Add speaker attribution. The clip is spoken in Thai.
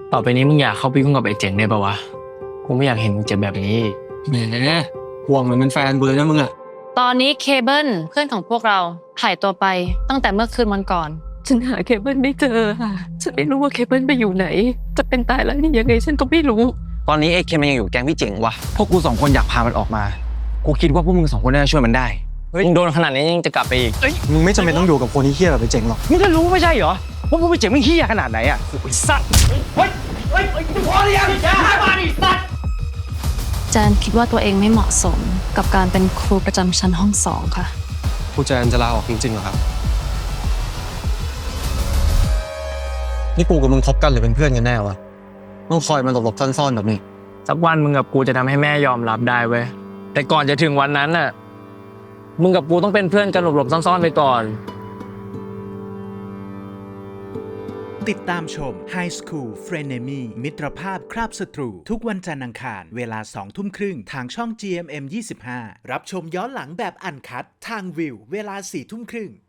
Speaker 1: ต่อไปนี้มึงอยากเข้าไปยุ่งกับไอ้เจ๋งได้ปะวะกูไม่อยากเห็นมึงเจ็บแบบนี้
Speaker 2: แหมห่วงเหมือนเป็นแฟนกูเลยนะมึงอะ
Speaker 3: ตอนนี้เคเบิลเพื่อนของพวกเราหายตัวไปตั้งแต่เมื่อคืนวันก่อน
Speaker 4: ฉันหาเคเบิลไม่เจอค่ะ ฉันไม่รู้ว่าเคเบิลไปอยู่ไหน จะเป็นตายแล้วนี่ยังไงฉันก็ไม่รู้
Speaker 5: ตอนนี้ไอ้เคนมันยังอยู่แก๊งพี่เจ๋งวะพวกกูสองคนอยากพามันออกมากูคิดว่าพวกมึงสองคนน่าจะช่วยมันได้
Speaker 1: มึงโดนขนาดนี้ยังจะกลับไปอีก
Speaker 2: มึงไม่จำเป็นต้องอยู่กับคนที่เฮี้ยแบบไปเจ๋งหรอก
Speaker 5: มึงก็รู้ไม่ใช่เหรอว่าพวกพี่เจ๋งไม่เฮี้ยขนาดไหนอ่ะไอ้สัตว์
Speaker 3: แจนคิดว่าตัวเองไม่เหมาะสมกับการเป็นครูประจำชั้นห้อง2ค่ะ
Speaker 2: ครูแจนจะลาออกจริงๆเหรอครับ นี่กูกับมึงคบกันหรือเป็นเพื่อนกันแน่วะต้องคอยมาหลบๆซ่อนๆแบบนี้
Speaker 1: สักวันมึงกับกูจะทำให้แม่ยอมรับได้เว้ยแต่ก่อนจะถึงวันนั้นน่ะมึงกับกูต้องเป็นเพื่อนกันหลบๆซ่อนๆไปก่อน
Speaker 6: ติดตามชม High School Frenemy มิตรภาพคราบศัตรูทุกวันจันทร์อังคารเวลา 20:30 นทางช่อง GMM 25รับชมย้อนหลังแบบอันคัดทางวิวเวลา 22:30 น